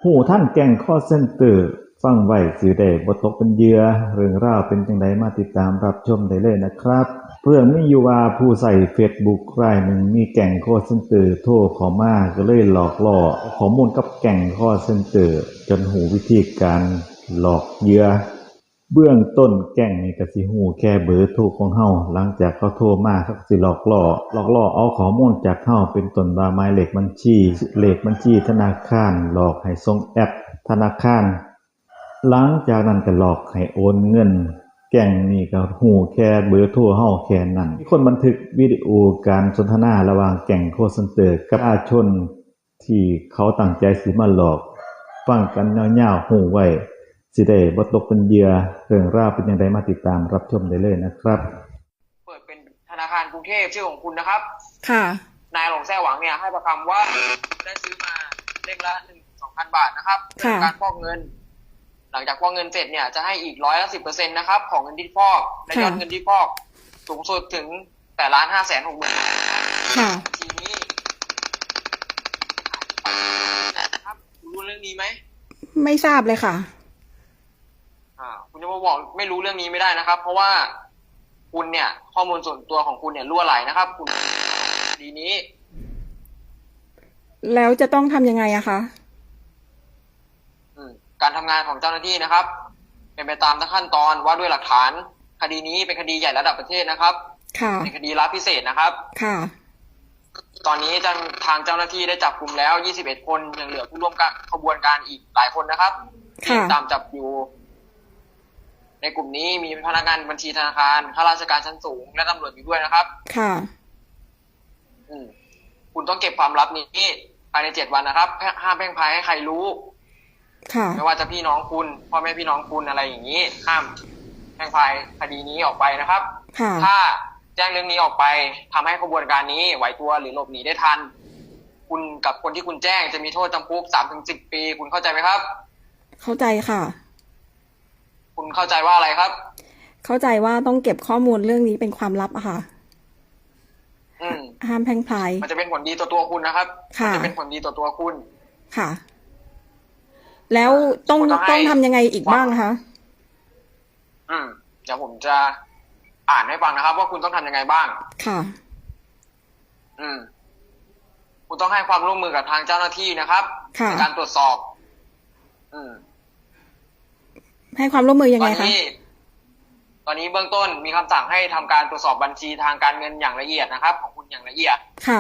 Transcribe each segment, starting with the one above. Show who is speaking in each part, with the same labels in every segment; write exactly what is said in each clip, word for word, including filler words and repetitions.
Speaker 1: ฮู้ทันแก๊ง call center ฟังไว้สิได้บ่ตกเป็นเหยื่อเรื่องราวเป็นจั่งใดมาติดตามรับชมได้เลยนะครับเรื่องมีอยู่ว่าผู้ใช้ Facebook รายหนึ่งมีแก๊ง call center โทรเข้ามาก็เลยหลอกล่อข้อมูลกับแก๊ง call center จนรู้วิธีการหลอกเหยื่อเบื้องต้นแก๊งนี่ก็สิรู้แค่เบอร์โทรของเฮาหลังจากเขาโทรมาเขาก็สิหลอกล่อหลอกล่อเอาข้อมูลจากเฮาเป็นต้นว่าหมายเลขบัญชีเลขบัญชีธนาคารหลอกให้ส่งแอปธนาคารหลังจากนั้นก็หลอกให้โอนเงินแก๊งนี้ก็รู้แค่เบอร์โทรเฮาแค่นั้นมีคนบันทึกวิดีโอการสนทนาระหว่างแก๊ง call center กับประชาชนที่เขาตั้งใจสิมาหลอกฟังกันยาวๆรู้ไว้สิได้บ่ตกเป็นเหยื่อเรื่องราวเป็นจั่งใดมาติดตามรับชมได้เลยนะครับ
Speaker 2: เปิดเป็นธนาคารกรุงเทพชื่อของคุณนะครับ
Speaker 3: ค่ะ
Speaker 2: นายหลงแซ่หวังเนี่ยให้ประคำว่าได้ซื้อมาเล่มละหนึ่งสองพันบาทนะครับเพื่อการฟอกเงินหลังจากฟอกเงินเสร็จเนี่ยจะให้อีกร้อยละสิบเปอร์เซ็นต์นะครับของเงินที่ฟอกและยอดเงินที่ฟอกสูงสุดถึงแปดล้านห้าแสนหกหมื่น
Speaker 3: ค่ะ
Speaker 2: ทีนี้ครับรู้เรื่องนี้ไหม
Speaker 3: ไม่ทราบเลยค่ะ
Speaker 2: อ่าคุณจะมาบอกไม่รู้เรื่องนี้ไม่ได้นะครับเพราะว่าคุณเนี่ยข้อมูลส่วนตัวของคุณเนี่ยรั่วไหลนะครับคุณดีนี้
Speaker 3: แล้วจะต้องทำยังไงอะคะ
Speaker 2: การทำงานของเจ้าหน้าที่นะครับเป็นไปตามขั้นตอนว่าด้วยหลักฐานคดีนี้เป็นคดีใหญ่ระดับประเทศนะครับ
Speaker 3: ค่ะ
Speaker 2: เป็นคดีลับพิเศษนะครับ
Speaker 3: ค่ะ
Speaker 2: ตอนนี้ทางเจ้าหน้าที่ได้จับกลุ่มแล้วยี่สิบเอ็ดคนยังเหลือผู้ร่วมขบวนการอีกหลายคนนะครับที่ตามจับอยู่ในกลุ่มนี้มีพนักงานบัญชีธนาคารข้าราชการชั้นสูงและตำรวจอยู่ด้วยนะครับ
Speaker 3: ค่ะ
Speaker 2: อืมคุณต้องเก็บความลับนี้ภายในเจ็ดวันนะครับห้ามแพร่งพรายให้ใครรู้
Speaker 3: ค่ะ
Speaker 2: ไม่ว่าจะพี่น้องคุณพ่อแม่พี่น้องคุณอะไรอย่างนี้ห้ามแพร่งพรายคดีนี้ออกไปนะครับ
Speaker 3: ค่ะ
Speaker 2: ถ้าแจ้งเรื่องนี้ออกไปทำให้ขบวนการนี้ไหวตัวหรือหลบหนีได้ทันคุณกับคนที่คุณแจ้งจะมีโทษจำคุกสามถึงสิบปีคุณเข้าใจไหมครับ
Speaker 3: เข้าใจค่ะ
Speaker 2: คุณเข้าใจว่าอะไรครับ
Speaker 3: เข้าใจว่าต้องเก็บข้อมูลเรื่องนี้เป็นความลับอะค่ะ
Speaker 2: อืม
Speaker 3: ห้ามแพร่งพราย
Speaker 2: มันจะเป็นผลดีต่อตัวคุณนะครับ
Speaker 3: ค่ะ
Speaker 2: จะเป็นผลดีต่อตัวคุณ
Speaker 3: ค่ะแล้วต้องต้องทำยังไงอีกบ้างคะ
Speaker 2: อืมเดี๋ยวผมจะอ่านให้ฟังนะครับว่าคุณต้องทำยังไงบ้าง
Speaker 3: ค่ะ
Speaker 2: อืมคุณต้องให้ความร่วมมือกับทางเจ้าหน้าที่นะครับในการตรวจสอบอืม
Speaker 3: ให้ความร่วมมือยังไงคะ
Speaker 2: ตอนนี้ตอนนี้เบื้องต้นมีคำสั่งให้ทำการตรวจสอบบัญชีทางการเงินอย่างละเอียดนะครับของคุณอย่างละเอียด
Speaker 3: ค่ะ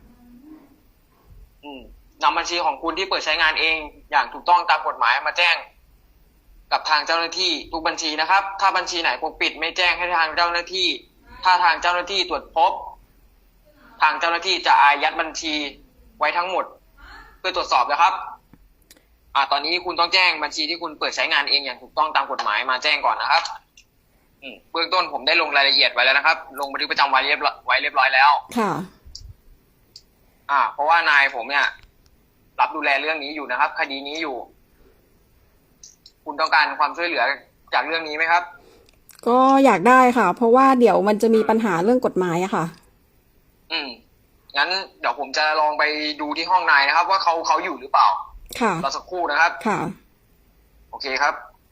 Speaker 2: อืมนำบัญชีของคุณที่เปิดใช้งานเองอย่างถูกต้องตามกฎหมายมาแจ้งกับทางเจ้าหน้าที่ทุกบัญชีนะครับถ้าบัญชีไหนปกปิดไม่แจ้งให้ทางเจ้าหน้าที่ถ้าทางเจ้าหน้าที่ตรวจพบทางเจ้าหน้าที่จะอายัดบัญชีไว้ทั้งหมดเพื่อตรวจสอบนะครับอ่าตอนนี้คุณต้องแจ้งบัญชีที่คุณเปิดใช้งานเองอย่างถูกต้องตามกฎหมายมาแจ้งก่อนนะครับอืมเบื้องต้นผมได้ลงรายละเอียดไว้แล้วนะครับลงบันทึกประจำวันเรียบไว้เรียบร้อยแล้ว
Speaker 3: ค่ะ
Speaker 2: อ่าเพราะว่านายผมเนี่ยรับดูแลเรื่องนี้อยู่นะครับคดีนี้อยู่คุณต้องการความช่วยเหลือจากเรื่องนี้ไหมครับ
Speaker 3: ก็อยากได้ค่ะเพราะว่าเดี๋ยวมันจะมีปัญหาเรื่องกฎหมายอะค่ะ
Speaker 2: อืมงั้นเดี๋ยวผมจะลองไปดูที่ห้องนายนะครับว่าเขาเขาอยู่หรือเปล่า
Speaker 3: ค่ะ
Speaker 2: รอสักครู่นะครับ
Speaker 3: ค่ะ
Speaker 2: โอเคครับ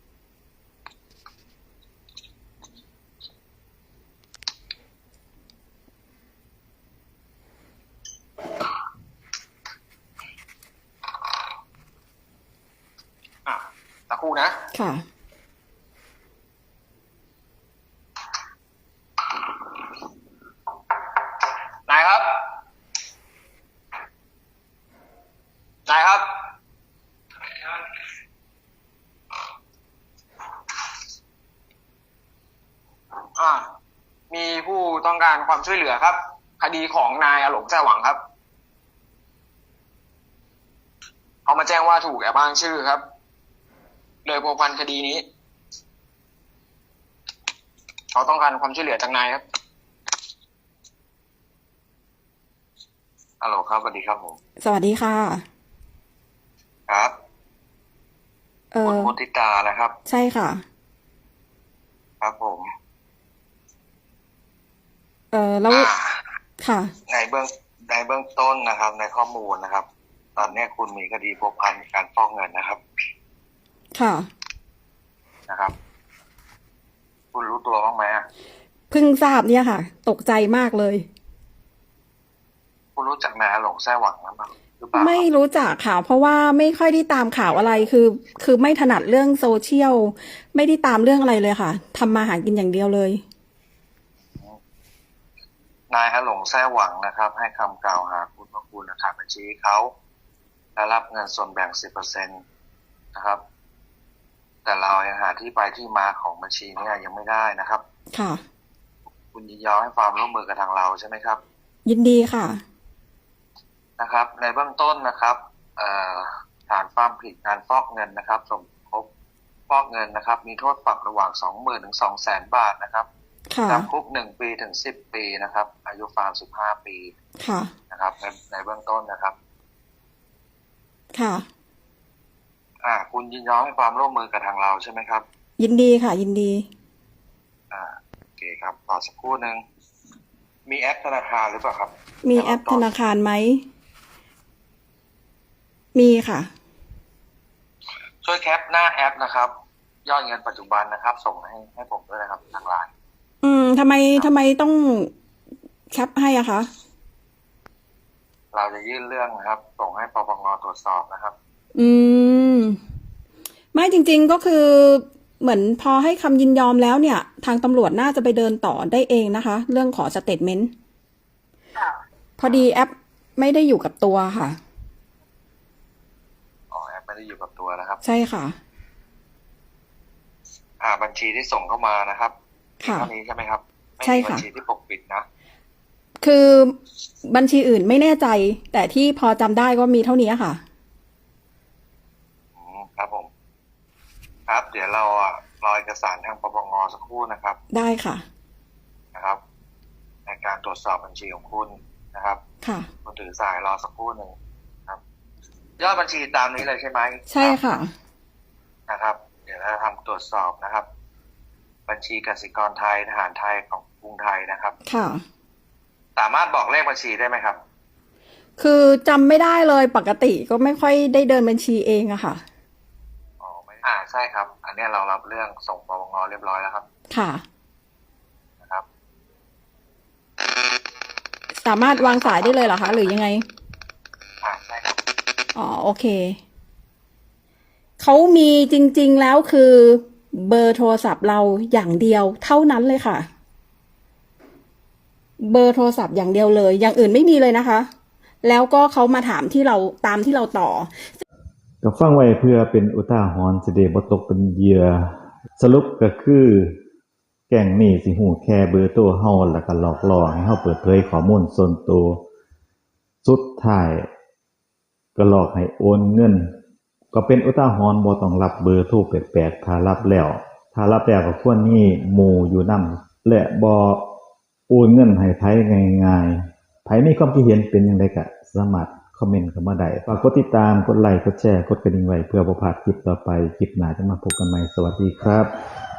Speaker 2: สักครู่นะ
Speaker 3: ค่ะ
Speaker 2: นายครับนายครับอ่ามีผู้ต้องการความช่วยเหลือครับคดีของนายอหลงแซ่หวังครับเขามาแจ้งว่าถูกแอบอ้างชื่อครับเลยพัวพันคดีนี้เขาต้องการความช่วยเหลือจากนายครับฮัลโหลครับสวัสดีครับผม
Speaker 3: สวัสดีค่ะ
Speaker 2: ครับเออคุณมุติตานะครับ
Speaker 3: ใช่ค่ะ
Speaker 2: ครับผม
Speaker 3: เออแล้วค่ะ
Speaker 2: ในเบื้องในเบื้องต้นนะครับในข้อมูลนะครับ
Speaker 4: ตอนนี้คุณมีคดีพัวพันการฟอกเงินนะครับ
Speaker 3: ค่ะ
Speaker 4: นะครับ คุณรู้ตัวบ้างไหม
Speaker 3: เพิ่งทราบเนี่ยค่ะ ตกใจมากเลย
Speaker 4: คุณรู้จักนายอาหลงแซ่หวังหรือเปล่าหรือเปล่า
Speaker 3: ไม่รู้จักค่ะ เพราะว่าไม่ค่อยได้ตามข่าวอะไร คือ คือไม่ถนัดเรื่องโซเชียล ไม่ได้ตามเรื่องอะไรเลยค่ะ ทำมาหากินอย่างเดียวเลย
Speaker 4: นายอาหลงแซ่หวังนะครับ ให้คำกล่าวหาคุณว่าคุณขาดบัญชีเขาและรับเงินส่วนแบ่ง สิบเปอร์เซ็นต์ นะครับ แต่เรายังหาที่ไปที่มาของบัญชีนี้ยังไม่ได้นะครับ
Speaker 3: ค่ะ
Speaker 4: คุณยินยอมให้ความร่วมมือกับทางเราใช่ไหมครับ
Speaker 3: ยินดีค่ะ
Speaker 4: นะครับ ในเบื้องต้นนะครับเอ่อฐานความผิดการฟอกเงินนะครับ สมคบฟอกเงินนะครับ มีโทษปรับระหว่าง สองหมื่น ถึง สองแสน บาทนะครับ
Speaker 3: ค่ะ
Speaker 4: จำคุกหนึ่งปีถึงสิบปีนะครับ อายุฟาร์มสิบห้าปี
Speaker 3: ค่ะ
Speaker 4: นะครับในในเบื้องต้นนะครับ
Speaker 3: ค่ะ
Speaker 4: อ่า คุณยินยอมให้ความร่วมมือกับทางเราใช่ไหมครับ
Speaker 3: ยินดีค่ะ ยินดี
Speaker 4: อ่าโอเคครับต่อสักครู่หนึ่งมีแอปธนาคารหรือเปล่าครับ
Speaker 3: มีแอปธนาคารไหม มีค่ะ
Speaker 4: ช่วยแคปหน้าแอปนะครับ ยอดเงินปัจจุบันนะครับ ส่งให้ให้ผมด้วยนะครับทางไลน์
Speaker 3: อืมทำไมทำไมต้องแคปให้อะคะ
Speaker 4: เราจะยื่นเรื่องนะครับ ส่งให้ปปงตรวจสอบนะครับ
Speaker 3: อืม ไม่จริงๆก็คือเหมือนพอให้คำยินยอมแล้วเนี่ย ทางตำรวจน่าจะไปเดินต่อได้เองนะคะ เรื่องขอสเตทเมนต์พอดีแอปไม่ได้อยู่กับตัวค่ะ
Speaker 4: อ๋อแอปไม่ได้อยู่กับตัวนะครับ
Speaker 3: ใช่ค่ะ
Speaker 4: อ่า บัญชีที่ส่งเข้ามานะครับ
Speaker 3: ค่ะ
Speaker 4: เท่านี้ใช่ไหมครับไม่
Speaker 3: ใช่
Speaker 4: มี
Speaker 3: ค่ะ
Speaker 4: บัญชีที่ปกปิดนะ
Speaker 3: คือบัญชีอื่นไม่แน่ใจ แต่ที่พอจำได้ก็มีเท่านี้ค่ะ
Speaker 4: อืมครับผม ครับ เดี๋ยวเราอ่ะรอเอกสารทางปปงสักครู่นะครับ
Speaker 3: ได้ค่ะ
Speaker 4: นะครับ ในการตรวจสอบบัญชีของคุณนะครับ
Speaker 3: ค่ะ
Speaker 4: คุณถือสายรอสักครู่หนึ่งครับ ยอดบัญชีตามนี้เลยใช่ไหม
Speaker 3: ใช่ค่ะ
Speaker 4: นะครับ เดี๋ยวเราทำตรวจสอบนะครับ บัญชีกสิกรไทยทหารไทยของกรุงไทยนะครับ
Speaker 3: ค่ะ
Speaker 4: สามารถบอกเลขบัญชีได้ไหมครับ
Speaker 3: คือจำไม่ได้เลยปกติก็ไม่ค่อยได้เดินบัญชีเองอะค่ะ
Speaker 4: อ๋อไม่อ่าใช่ครับ อันนี้เรารับเรื่องส่งปปงเรียบร้อยแล้วครับ
Speaker 3: ค่ะ
Speaker 4: นะครับ
Speaker 3: สามารถวางสายได้เลยเหรอคะ หรือยังไง
Speaker 4: อ่าใช่ครับ
Speaker 3: อ๋อโอเค เขามีจริงๆแล้วคือเบอร์โทรศัพท์เราอย่างเดียวเท่านั้นเลยค่ะ เบอร์โทรศัพท์อย่างเดียวเลย อย่างอื่นไม่มีเลยนะคะ แล้วก็เขามาถามที่เราตามที่เราต่อ
Speaker 1: ก็ฟังไว้เพื่อเป็นอุทาหรณ์สิได้บ่ตกเป็นเหยื่อสรุปก็คือ แก๊งนี้สิฮู้แค่เบอร์โทรเฮาแล้วก็หลอกล่อให้เฮาเปิดเผยข้อมูลส่วนตัวสุดท้ายก็หลอกให้โอนเงิน ก็เป็นอุทาหรณ์บ่ต้องรับเบอร์โทรแปลกๆถ้ารับแล้วถ้ารับแล้วก็ควรมีหมู่อยู่นำและบ่โอนเงินให้ไผง่ายๆไผมีความคิดเห็นเป็นจังไดก็สามารถคอมเมนต์เข้ามาได้ฝากกดติดตามกดไลค์กดแชร์กดกระดิ่งไว้เพื่อบ่พลาดคลิปต่อไปคลิปหน้าจะมาพบกันใหม่สวัสดีครับ